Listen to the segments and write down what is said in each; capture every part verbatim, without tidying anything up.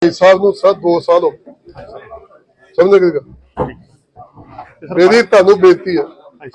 साहब ਨੂੰ ਸਰ दो साल हो समझ गए मेरी ਤੁਹਾਨੂੰ ਬੇਨਤੀ ਹੈ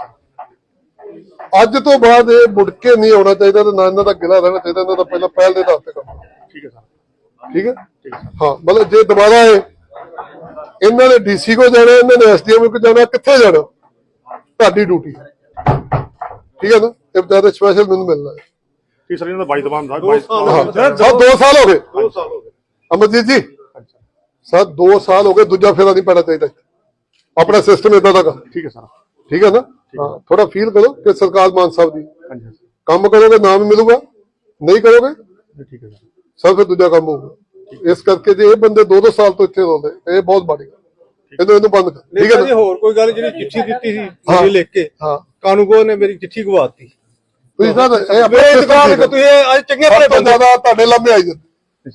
ਅੱਜ ਤੋਂ ਬਾਅਦ ਇਹ ਮੁੜ ਕੇ ਨਹੀਂ ਆਉਣਾ ਚਾਹੀਦਾ ਤੇ ਨਾ ਇਹਨਾਂ ਦਾ ਗਿਲਾ ਰਹਿਣਾ ਚਾਹੀਦਾ ਇਹਨਾਂ ਦਾ ਪਹਿਲਾਂ ਪਹਿਲ ਦੇ ਆਧਾਰ ਤੇ ਕੰਮ ਠੀਕ ਹੈ ਸਰ ਠੀਕ ਹੈ ਹਾਂ ਮਤਲਬ ਜੇ ਦੁਬਾਰਾ ਇਹ ਇਹਨਾਂ ਨੇ ਡੀਸੀ ਕੋ ਜਾਣਾ ਇਹਨਾਂ ਨੇ ਐਸਡੀਐਮ ਕੋ ਜਾਣਾ ਕਿੱਥੇ ਜਾਣਾ ਤੁਹਾਡੀ ਡਿਊਟੀ ਠੀਕ ਹੈ ਨਾ ਇਹ ਬਤਾ ਸਪੈਸ਼ਲ ਮੈਨੂੰ ਮਿਲਣਾ ਹੈ ਠੀਕ ਸਰ ਇਹਨਾਂ ਦਾ ਬਾਈ ਦਬਾਨ ਦਾ ਦੋ ਸਾਲ ਹੋ ਗਏ ਦੋ ਸਾਲ ਹੋ ਗਏ अमरजीत जी सर दो साल हो गए दूजा फेरा नहीं पैना चाहिए अपना सिस्टम इदा का ठीक है सर ठीक है ना हाँ थोड़ा फील करो कि सरकार मान साहब दी काम करोगे नाम मिलूगा नहीं करोगे ठीक है सर फिर दूजा काम होगा इस करके जो ये बंदे दो दो साल तो इतने रोते ये बहुत माड़ी ਇਹਨੂੰ ਇਹਨੂੰ ਬੰਦ ਕਰ ਠੀਕ ਹੈ ਜੀ ਹੋਰ ਕੋਈ ਗੱਲ ਜਿਹੜੀ ਚਿੱਠੀ ਦਿੱਤੀ ਸੀ ਤੁਸੀਂ ਲਿਖ ਕੇ ਹਾਂ ਕਾਨੂੰਗੋ ਨੇ ਮੇਰੀ ਚਿੱਠੀ ਗਵਾਤੀ ਤੁਸੀਂ ਸਰ ਇਹ ਆਪਣੇ ਦੁਕਾਨ ਤੇ ਤੁਸੀਂ ਅੱਜ ਚੰਗੇ ਭਲੇ ਬੰਦੇ ਦਾ ਤੁਹਾਡੇ ਲੰਮੇ ਆਈ ਜਾਂਦੇ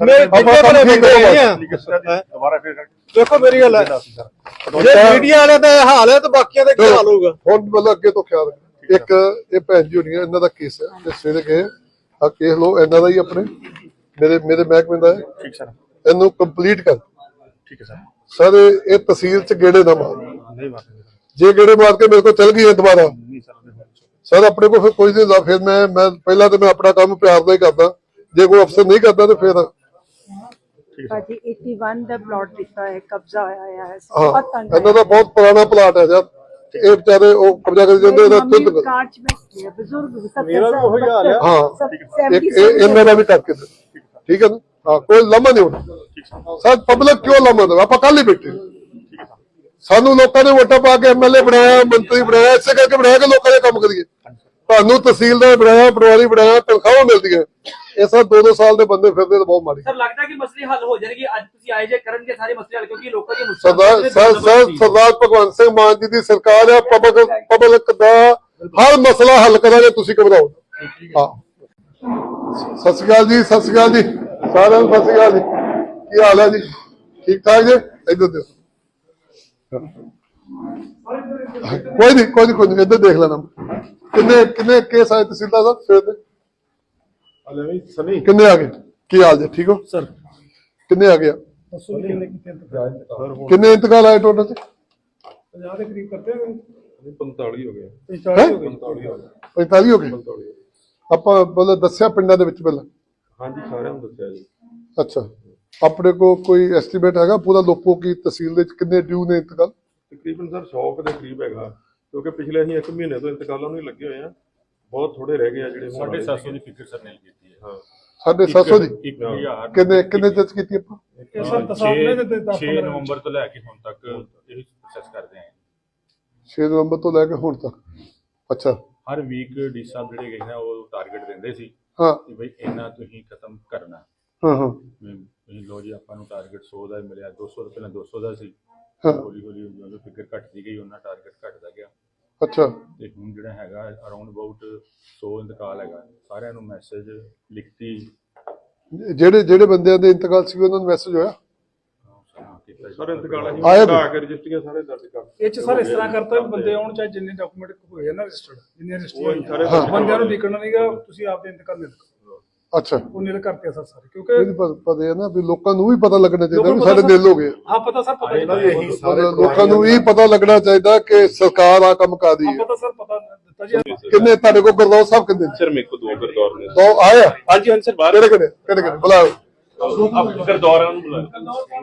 ਦੁਬਾਰਾ ਫਿਰ ਦੇਖੋ ਮੇਰੀ ਗੱਲ ਹੈ ਜੇ ਮੀਡੀਆ ਵਾਲੇ ਦਾ ਹਾਲ ਹੈ ਤਾਂ ਬਾਕੀਆਂ ਦਾ ਕੀ ਹਾਲ ਹੋਊਗਾ ਹੁਣ ਮਤਲਬ ਅੱਗੇ ਤੋਂ ਖਿਆਲ ਇੱਕ ਇਹ ਭੈਣ ਜੀ ਹੋਣੀ ਇਹਨਾਂ ਦਾ ਕੇਸ ਹੈ ਤੇ ਸਵੇਰੇ ਗਏ ਆ ਕੇਸ ਲੋ ਇਹਨਾਂ ਦਾ ਹੀ ਆਪਣੇ ਮੇਰੇ ਮੇਰੇ ਮਹਿਕਮੇ ਦਾ ਹੈ ਠੀਕ ਸਰ ਇਹਨੂੰ ਕੰਪਲੀਟ ਕਰ ਠੀਕ ਹੈ ਸਰ ਸਰ ਇਹ ਤਹਿਸੀਲ ਚ ਗੇੜੇ ਨਾ ਮਾਰ ਨਹੀਂ ਮਾਰਦੇ ਜੇ ਗੇੜੇ ਮਾਰ ਕੇ ਮੇਰੇ ਕੋਲ ਚਲ ਗਈ ਹੈ ਦੁਬਾਰਾ ਨਹੀਂ ਸਰ ਸਰ ਆਪਣੇ ਕੋਲ ਫਿਰ ਕੋਈ ਨਹੀਂ ਫਿਰ ਮੈਂ ਮੈਂ ਪਹਿਲਾਂ ਤਾਂ ਮੈਂ ਆਪਣਾ ਕੰਮ ਪਿਆਰ ਦਾ ਹੀ ਕਰਦਾ ਜੇ ਕੋਈ ਅਫਸਰ ਨਹੀਂ ਕਰਦਾ ਤੇ ਫਿਰ ਭਾਜੀ ਇਕੱਤੀ ਦਾ ਪਲਾਟ ਦਿੱਤਾ ਹੈ ਕਬਜ਼ਾ ਹੋਇਆ ਹੈ ਬਹੁਤ ਤੰਗ ਇਹਨਾਂ ਦਾ ਬਹੁਤ ਪੁਰਾਣਾ ਪਲਾਟ ਹੈ ਯਾਰ ਇਹ ਵਿਚਾਰੇ ਉਹ ਕਬਜ਼ਾ ਕਰੀ ਜਾਂਦੇ ਇਹਦਾ ਖੁਦ ਕਾਰਜ ਵਿੱਚ ਬਜ਼ੁਰਗ ਮੇਰਾ ਵੀ ਉਹੀ ਹਾਲ ਹੈ ਹਾਂ ਇੱਕ ਇਹਨਾਂ ਦਾ ਵੀ ਕਰਕੇ ਠੀਕ ਹੈ ਨਾ ਹਾਂ ਕੋਈ ਲੰਮਾ ਨਹੀਂ ਹੋਣਾ ਸਰ ਪਬਲਿਕ ਕਿਉਂ ਲੰਮਾ ਦੇਵੇ ਆਪਾਂ ਕੱਲ ਹੀ ਬੈਠੇ ਸਾਨੂੰ ਲੋਕਾਂ ਨੇ ਵੋਟਾਂ ਪਾ ਕੇ ਐਮਐਲਏ ਬਣਾਇਆ ਮੰਤਰੀ ਬਣਾਇਆ ਇਸੇ ਕਰਕੇ ਬਣਾਇਆ ਕਿ ਲੋਕਾਂ ਦੇ ਕੰਮ ਕਰੀਏ ਤੁਹਾਨੂੰ ਤਹਿਸੀਲਦਾਰ ਬਣਾਇਆ ਪਟਵਾਰੀ ਬਣਾਇਆ ਤਨਖਾਹਾਂ ਮਿਲਦੀਆਂ ਇਹ ਸਭ ਦੋ ਦੋ ਸਾਲ ਦੇ ਬੰਦੇ ਫਿਰਦੇ ਤਾਂ ਬਹੁਤ ਮਾੜੀ ਸਰ ਲੱਗਦਾ ਕਿ ਮਸਲੇ ਹੱਲ ਹੋ ਜਾਣਗੇ ਅੱਜ ਤੁਸੀਂ ਆਏ ਜੇ ਕਰਨਗੇ ਸਾਰੇ ਮਸਲੇ ਹੱਲ ਕਿਉਂਕਿ ਲੋਕਾਂ ਦੀ ਸਰਦਾਰ ਸਰ ਸਰਦਾਰ ਭਗਵੰਤ ਸਿੰਘ ਮਾਨ ਜੀ ਦੀ ਸਰਕਾਰ ਹੈ ਪਬਲਿਕ ਪਬਲਿਕ ਦਾ ਹਰ ਮਸਲਾ ਹੱਲ ਕਰਾਂਗੇ ਤੁਸੀਂ ਘਬਰਾਓ ਹਾਂ ਸਤਿ ਸ਼੍ਰੀ ਅਕਾਲ ਜੀ ਸਤਿ ਸ਼੍ਰੀ ਅਕਾਲ ਜੀ ਸਾਰਿਆਂ ਨੂੰ ਸਤਿ ਸ਼੍ਰੀ ਅਕਾਲ ਜੀ ਕੀ ਹਾਲ ਹੈ ਜੀ ਠੀਕ ਠਾਕ ਜੀ ਇੱਧਰ ਦੇਖੋ ਕੋਈ ਨਹੀਂ ਕੋਈ ਨਹੀਂ ਕੋਈ ਨਹੀਂ ਇੱਧਰ ਦੇਖ ਲੈਣਾ ਕਿੰਨੇ ਕਿੰਨੇ ਕੇਸ ਆਏ ਤਹਿਸੀਲਦਾਰ ਸਾਹਿਬ ਸਵੇਰ ਦੇ ਸਨੀ ਕਿੰਨੇ ਆ ਗਏ ਕੀ ਹਾਲ ਜੀ ਠੀਕ ਹੋ ਸਰ ਕਿੰਨੇ ਆ ਗਿਆ ਕਿੰਨੇ ਇੰਤਕਾਲ ਆਏ ਟੋਟਲ ਚ ਪੰਜਾਹ ਦੇ ਕਰੀਬ ਕਰਤੇ ਪੰਤਾਲੀ ਹੋ ਗਏ ਪੰਤਾਲੀ ਹੋ ਗਏ ਆਪਾਂ ਬੋਲੇ ਦੱਸਿਆ ਪਿੰਡਾਂ ਦੇ ਵਿੱਚ ਪਹਿਲਾਂ ਹਾਂਜੀ ਸਾਰਿਆਂ ਨੂੰ ਦੱਸਿਆ ਜੀ ਅੱਛਾ ਆਪਣੇ ਕੋ ਕੋਈ ਐਸਟੀਮੇਟ ਹੈਗਾ ਪੂਰਾ ਲੋਕੋ ਕੀ ਤਹਿਸੀਲ ਦੇ ਵਿੱਚ ਕਿੰਨੇ ਡਿਊ ਨੇ ਇੰਤਕਾਲ ਤਕਰੀਬਨ ਸਰ ਸੌ ਦੇ ਕਰੀਬ ਹੈਗਾ ਕਿਉਂਕਿ ਪਿਛਲੇ ਅਸੀਂ ਇੱਕ ਮਹੀਨੇ ਤੋਂ ਇੰਤਕਾਲਾਂ ਨੂੰ ਹੀ ਲੱਗੇ ਹੋਏ ਆ ਬਹੁਤ ਥੋੜੇ ਰਹਿ ਗਏ ਆ ਜਿਹੜੇ ਸਾਢੇ ਸੱਤ ਸੌ ਦੀ ਫਿਕਰ ਸਰ ਨੇ ਕੀਤੀ ਹੈ ਹਾਂ ਸਾਢੇ ਸੱਤ ਸੌ ਦੀ ਕਿੰਨੇ ਕਿੰਨੇ ਜੱਜ ਕੀਤੀ ਆਪਾਂ ਛੇ ਨਵੰਬਰ ਤੋਂ ਲੈ ਕੇ ਹੁਣ ਤੱਕ ਇਹ ਪ੍ਰੋਸੈਸ ਕਰਦੇ ਆਂ ਛੇ ਨਵੰਬਰ ਤੋਂ ਲੈ ਕੇ ਹੁਣ ਤੱਕ ਅੱਛਾ ਹਰ ਵੀਕ ਡੀ ਸਾਹਿਬ ਜਿਹੜੇ ਗਏ ਨੇ ਉਹ ਟਾਰਗੇਟ ਦਿੰਦੇ ਸੀ ਹਾਂ ਕਿ ਬਈ ਇਹਨਾਂ ਤੁਸੀਂ ਖਤਮ ਕਰਨਾ ਹਾਂ ਹਾਂ ਤੁਸੀਂ ਲੋ ਜੀ ਆਪਾਂ ਨੂੰ ਟਾਰਗੇਟ ਸੌ ਦਾ ਮਿਲਿਆ ਦੋ ਸੌ ਤੋਂ ਪਹਿਲਾਂ ਦੋ ਸੌ ਦਾ ਸੀ ਹੌਲੀ ਹੌਲੀ ਜਦੋਂ ਫਿਕਰ ਘਟਦੀ ਗਈ ਉਹਨਾਂ ਟਾਰਗੇਟ ਘਟਦਾ ਗਿਆ ਅੱਛਾ ਤੇ ਹੁਣ ਜਿਹੜਾ ਹੈਗਾ ਅਰਾਊਂਡ ਅਬਾਊਟ ਸੌ ਇੰਤਕਾਲ ਹੈਗਾ ਸਾਰਿਆਂ ਨੂੰ ਮੈਸੇਜ ਲਿਖਤੀ ਜਿਹੜੇ ਜਿਹੜੇ ਬੰਦਿਆਂ ਦੇ ਇੰਤਕਾਲ ਸੀ ਉਹਨਾਂ ਨੂੰ ਮੈਸੇਜ ਹੋਇਆ ਸਾਰੇ ਇੰਤਕਾਲ ਅਸੀਂ ਕਰਾ ਕੇ ਰਜਿਸਟਰੀਆਂ ਸਾਰੇ ਦਰਜ ਕਰ ਇਹ ਚ ਸਰ ਇਸ ਤਰ੍ਹਾਂ ਕਰਤਾ ਵੀ ਬੰਦੇ ਆਉਣ ਚਾਹੇ ਜਿੰਨੇ ਡਾਕੂਮੈਂਟ ਹੋਏ ਆ ਨਾ ਰਜਿਸਟਰਡ ਜਿੰਨੇ ਰਜਿਸਟਰ ਬੰਦਿਆਂ ਨੂੰ ਲਿਖਣਾ ਨਹੀਂਗਾ ਤੁਸੀਂ ਆਪਦੇ ਇੰਤਕਾਲ ਨਿਲ ਅੱਛਾ ਉਹ ਨਿਲ ਕਰਤੇ ਸਰ ਸਾਰੇ ਕਿਉਂਕਿ ਇਹ ਪਤਾ ਹੈ ਨਾ ਵੀ ਲੋਕਾਂ ਨੂੰ ਵੀ ਪਤਾ ਲੱਗਣਾ ਚਾਹੀਦਾ ਵੀ ਸਾਡੇ ਦਿਲ ਹੋ ਗਏ ਹਾਂ ਪਤਾ ਸਰ ਪਤਾ ਲੋਕਾਂ ਨੂੰ ਵੀ ਪਤਾ ਲੱਗਣਾ ਚਾਹੀਦਾ ਕਿ ਸਰਕਾਰ ਆ ਕੰਮ ਕਰਦੀ ਹੈ ਪਤਾ ਸਰ ਪਤਾ ਦਿੱਤਾ ਜੀ ਕਿੰਨੇ ਤੁਹਾਡੇ ਕੋਲ ਗੁਰਦੌਰ ਸਾਹਿਬ ਕਿੰਨੇ ਸਰ ਮੇਰੇ ਕੋਲ ਦੋ ਗਰਦੌਰ ਨੇ ਦੋ ਆਏ ਹਾਂਜੀ ਹਾਂਜੀ ਸਰ ਬਾਹਰ ਕਿਹੜੇ ਕਿਹੜੇ ਕਿਹੜੇ ਕਿਹੜੇ ਬੁਲਾਓ ਆਪ ਗਰਦੌਰਾਂ ਨੂੰ ਬੁਲਾਓ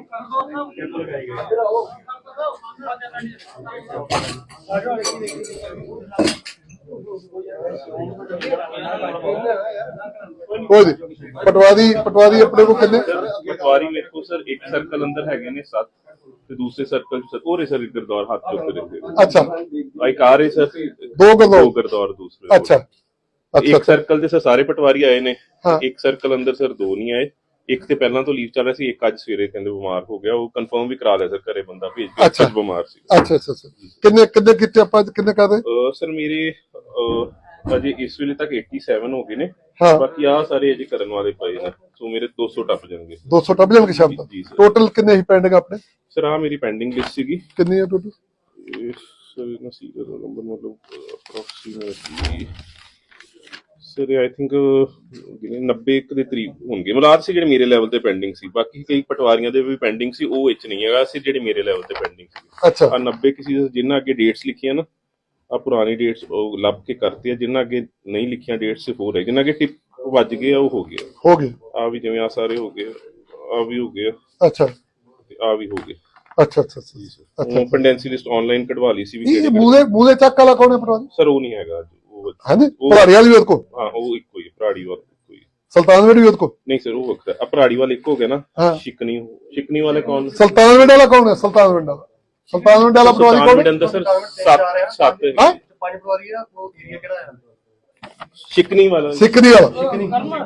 ਕੋਈ ਨਹੀਂ ਪਟਵਾਰੀ ਪਟਵਾਰੀ ਆਪਣੇ ਕੋਲ ਕਿੰਨੇ ਪਟਵਾਰੀ ਮੇਰੇ ਕੋਲ ਸਰ ਇੱਕ ਸਰਕਲ ਅੰਦਰ ਹੈਗੇ ਨੇ ਸੱਤ ਤੇ ਦੂਸਰੇ ਸਰਕਲ ਚ ਹੋਰ ਸਰ ਇੱਕ ਗਰਦੌਰ ਹੱਥ ਚੁੱਕ ਕੇ ਰੱਖੇ ਅੱਛਾ ਇੱਕ ਆ ਰਹੇ ਸਰ ਦੋ ਗਰਦੌਰ ਦੋ ਗਰਦੌਰ ਦੂਸਰੇ ਅੱਛਾ ਇੱਕ ਸਰਕਲ ਦੇ ਸਰ ਸਾਰੇ ਪਟਵਾਰੀ ਆਏ ਨੇ ਇੱਕ ਸਰਕਲ ਅੰਦਰ ਸਰ ਦੋ ਨਹੀਂ ਆਏ ਇੱਕ ਤੇ ਪਹਿਲਾਂ ਤੋਂ ਲੀਵ ਚੱਲ ਰਿਹਾ ਸੀ ਇੱਕ ਅੱਜ ਸਵੇਰੇ ਕਹਿੰਦੇ ਬਿਮਾਰ ਹੋ ਗਿਆ ਉਹ ਕਨਫਰਮ ਵੀ ਕਰਾ ਲਿਆ ਸਰ ਘਰੇ ਬੰਦਾ ਭੇਜ ਕੇ ਅੱਜ ਬਿਮਾਰ ਸੀ ਅੱਛਾ ਅੱਛਾ ਕਿੰਨੇ ਕਿੰਨੇ ਕਿਤੇ ਆਪਾਂ ਕਿੰਨੇ ਕਰਦੇ ਸਰ ਮੇਰੇ ਅਜੇ ਇਸ ਵੇਲੇ ਤੱਕ ਸੱਤਾਸੀ ਹੋ ਗਏ ਨੇ ਬਾਕੀ ਆ ਸਾਰੇ ਅਜੇ ਕਰਨ ਵਾਲੇ ਪਏ ਨੇ ਸੋ ਮੇਰੇ ਦੋ ਸੌ ਟੱਪ ਜਾਣਗੇ ਦੋ ਸੌ ਟੱਪ ਜਾਣਗੇ ਸ਼ਾਮ ਤੱਕ ਟੋਟਲ ਕਿੰਨੇ ਹੀ ਪੈਂਡਿੰਗ ਆਪਣੇ ਸਰ ਆ ਮੇਰੀ ਪੈਂਡਿੰਗ ਲਿਸਟ ਸੀਗੀ ਕਿੰਨੀ ਹੈ ਟੋਟਲ ਸਰ ਨਾ ਸੀਰੀਅਲ ਨੰਬਰ ਮਤਲਬ ਅਪਰੋਕਸੀਮੇਟਲੀ ਸਰ ਆਈ ਥਿੰਕ ਨੱਬੇ ਇੱਕ ਦੇ ਕਰੀਬ ਹੋਣਗੇ ਮਲਾਦ ਸੀ ਜਿਹੜੇ ਮੇਰੇ ਲੈਵਲ ਤੇ ਪੈਂਡਿੰਗ ਸੀ, ਬਾਕੀ ਕਈ ਪਟਵਾਰੀਆਂ ਦੇ ਵੀ ਪੈਂਡਿੰਗ ਸੀ, ਉਹ ਵਿੱਚ ਨਹੀਂ ਹੈਗਾ ਸੀ ਜਿਹੜੇ ਮੇਰੇ ਲੈਵਲ ਤੇ ਪੈਂਡਿੰਗ ਸੀ। ਅੱਛਾ ਆ ਨੱਬੇ ਕਿਸੇ ਜਿੰਨਾ ਅੱਗੇ ਡੇਟਸ ਲਿਖੀਆਂ ਨਾ ਆ ਪੁਰਾਣੀ ਡੇਟਸ ਉਹ ਲੱਭ ਕੇ ਕਰਤੀ ਆ, ਜਿੰਨਾ ਅੱਗੇ ਨਹੀਂ ਲਿਖੀਆਂ ਡੇਟਸ ਸਿਰਫ ਹੋ ਰਹੇ, ਜਿੰਨਾ ਅੱਗੇ ਟਿਪ ਵੱਜ ਗਏ ਆ ਉਹ ਹੋ ਗਿਆ। ਹੋ ਗਏ ਆ ਵੀ ਜਿਵੇਂ ਆ ਸਾਰੇ ਹੋ ਗਏ, ਆ ਵੀ ਹੋ ਗਏ, ਅੱਛਾ ਤੇ ਆ ਵੀ ਹੋ ਗਏ। ਅੱਛਾ ਅੱਛਾ ਅੱਛਾ ਉਹ ਪੈਂਡੈਂਸੀ ਲਿਸਟ ਆਨਲਾਈਨ ਕਢਵਾ ਲਈ ਸੀ ਵੀ ਇਹ ਮੂਲੇ ਮੂਲੇ ਚੱਕ ਵਾਲਾ ਕੌਣ ਹੈ ਪਟਵਾਰੀ? ਸਰ ਉਹ ਨਹੀਂ ਹੈਗਾ ਉਹ, ਹਾਂਜੀ ਉਹ- ਭਰਾੜੀ ਵਾਲੀ ਵੀ ਉਹਦੇ ਕੋਲ, ਹਾਂ ਉਹ ਇੱਕੋ ਹੀ ਭਰਾੜੀ ਵਾਲਾ ਇੱਕੋ ਹੀ। ਸੁਲਤਾਨਵਿੰਡ ਵੀ ਉਹਦੇ ਕੋਲ? ਨਹੀਂ ਸਰ ਉਹ ਵੱਖਰਾ ਆ, ਭਰਾੜੀ ਵਾਲਾ ਇੱਕ ਹੋ ਗਿਆ ਨਾ। ਹਾਂ। ਸ਼ਿਕਨੀ ਸ਼ਿਕਨੀ ਵਾਲੇ ਕੌਣ? ਸੁਲਤਾਨਵਿੰਡ ਵਾਲਾ ਕੌਣ ਹੈ? ਸੁਲਤਾਨਵਿੰਡ ਵਾਲਾ ਸੁਲਤਾਨਵਿੰਡ ਵਾਲਾ ਪਟਵਾਰੀ ਕੌਣ ਹੈ? ਅੰਦਰ ਸਰ ਸੱਤ ਸੱਤ ਹਾਂ ਪੰਜ ਪਟਵਾਰੀ ਆ, ਉਹ ਏਰੀਆ ਕਿਹੜਾ ਹੈ? ਸ਼ਿਕਨੀ ਵਾਲਾ ਸਿੱਕਰੀ ਵਾਲਾ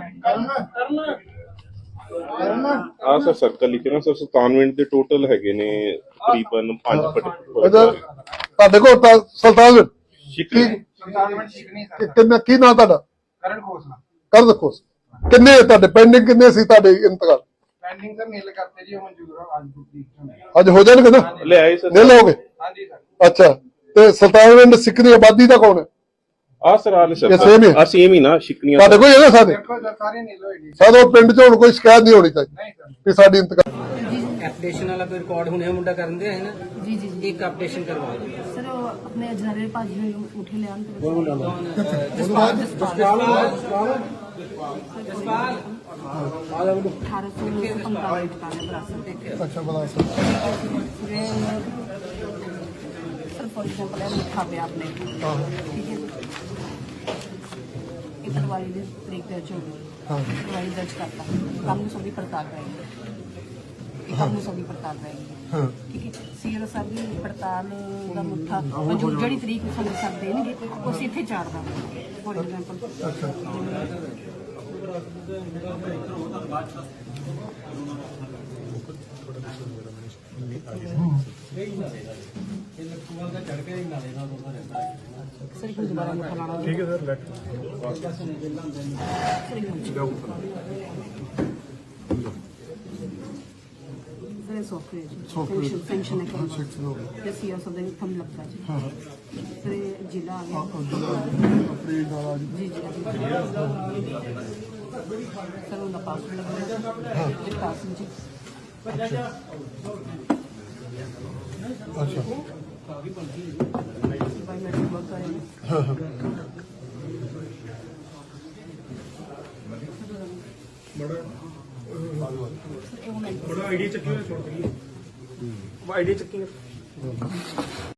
ਆ ਸਰ ਸਰਕਲ ਲਿਖੇ ਨਾ ਸਰ ਸਤਾਨਵੇਂ ਦੇ ਟੋਟਲ ਹੈਗੇ ਨੇ ਤਕਰੀਬਨ ਪੰਜ ਇਹਦਾ ਪਟ ਤੁਹਾਡੇ ਕੋਲ ਤਾਂ ਸੁਲਤਾਨਵਿੰਡ ਸ਼ਿਕਨੀ ਕਿ- ਕਿੰਨਾ ਕੀ ਨਾਂ ਤੁਹਾਡਾ? ਕਰਨ ਖੋਸਲਾ ਕਰ ਦੇਖੋ ਕਿੰਨੇ ਤੁਹਾਡੇ ਪੈਂਡਿੰਗ ਕਿੰਨੇ ਸੀ ਤੁਹਾਡੇ ਇੰਤਕਾਲ? ਪੈਂਡਿੰਗ ਸਰ ਨੀਲ ਕਰਤੇ ਜੀ, ਉਹ ਮਨਜ਼ੂਰ ਆ ਅੱਜ ਦੀ। ਅੱਜ ਹੋ ਜਾਣਗੇ ਨਾ? ਲੈ ਆਏ ਸਰ ਨਹੀਂ ਲਓਗੇ? ਹਾਂਜੀ ਸਰ। ਅੱਛਾ ਤੇ ਸੁਲਤਾਨਵਿੰਡ ਸਿੱਕਰੀ ਆਬਾਦੀ ਦਾ ਕੌਣ ਹੈ? ਆ ਸਰ ਆ ਲੈ ਸਰ ਇਹ same ਹੀ ਹੈ? ਆ ਸੇਮ ਹੀ ਨਾ ਸ਼ਿਕਨੀਆਂ ਤੁਹਾਡੇ ਕੋਲ ਹੈਗਾ ਸਾਡੇ? ਦੇਖੋ ਸਰ ਸਾਰੇ ਨੀਲ ਹੋਏ ਜੀ। ਸਾਡੇ ਪਿੰਡ 'ਚ ਹੁਣ ਕੋਈ ਸ਼ਿਕਾਇਤ ਨਹੀਂ ਹੋਣੀ ਚਾਹੀਦੀ ਨਹੀਂ ਸਰ। ਕਿ ਸਾਡੀ ਇੰਤਕਾਲ ਐਪਲੀਕੇਸ਼ਨ ਵਾਲਾ ਕੋਈ ਰਿਕਾਰਡ ਹੁਣੇ ਮੁੰਡਾ ਕਰਨ ਦੇ ਹੈ ਨਾ ਜੀ ਜੀ ਜੀ ਇੱਕ ਅਪਡੇਸ਼ਨ ਕਰਵਾ ਦਿਓ ਸਰ ਉਹ ਆਪਣੇ ਅਜਨਾਰੇ ਭਾਜੀ ਨੂੰ ਉਠੇ ਲਿਆਉਣ ਤੇ ਅਠਾਰਾਂ ਸੌ ਪੰਤਾਲੀ ਟਿਕਾਣੇ ਵਿਰਾਸਤ ਦੇ ਅੱਛਾ ਬਲਾ ਸਰ ਫॉर एग्जांपल ਇਹ ਲਿਖਾ ਪਿਆ ਆਪਣੇ ਠੀਕ ਹੈ ਇਹ ਪਟਵਾਰੀ ਦੀ ਤਰੀਕ ਦਰਜ ਹੋ ਗਈ ਪਟਵਾਰੀ ਦਰਜ ਕਰਤਾ ਕੰਮ ਨੂੰ ਸਭੀ ਪੜਤਾਲ ਕਰਾਂਗੇ ਇਹ ਕੰਮ ਨੂੰ ਸਭੀ ਪੜਤਾਲ ਕਰਾਂਗੇ ਠੀਕ ਹੈ ਸੀਆਰ ਸਾਹਿਬ ਦੀ ਪੜਤਾਲ ਦਾ ਮੁੱਠਾ ਮਨਜ਼ੂਰ ਜਿਹੜੀ ਤਰੀਕ ਨੂੰ ਸਾਨੂੰ ਸਭ ਦੇਣਗੇ ਉਸ ਇੱਥੇ ਚਾੜ ਦਾਂਗੇ ਫॉर एग्जांपल सर एक दोबारा मुठा लाना ठीक है sir late sir software function है क्या सीआर सब दिन थम लगता है सर जिला आ गया जी जी सर उनका पासवर्ड लगा विकास जी अच्छा बायोमेट्रिक वर्क करेंगे बड़ा आइडिया चक्की छोड़ आइडिया चक्की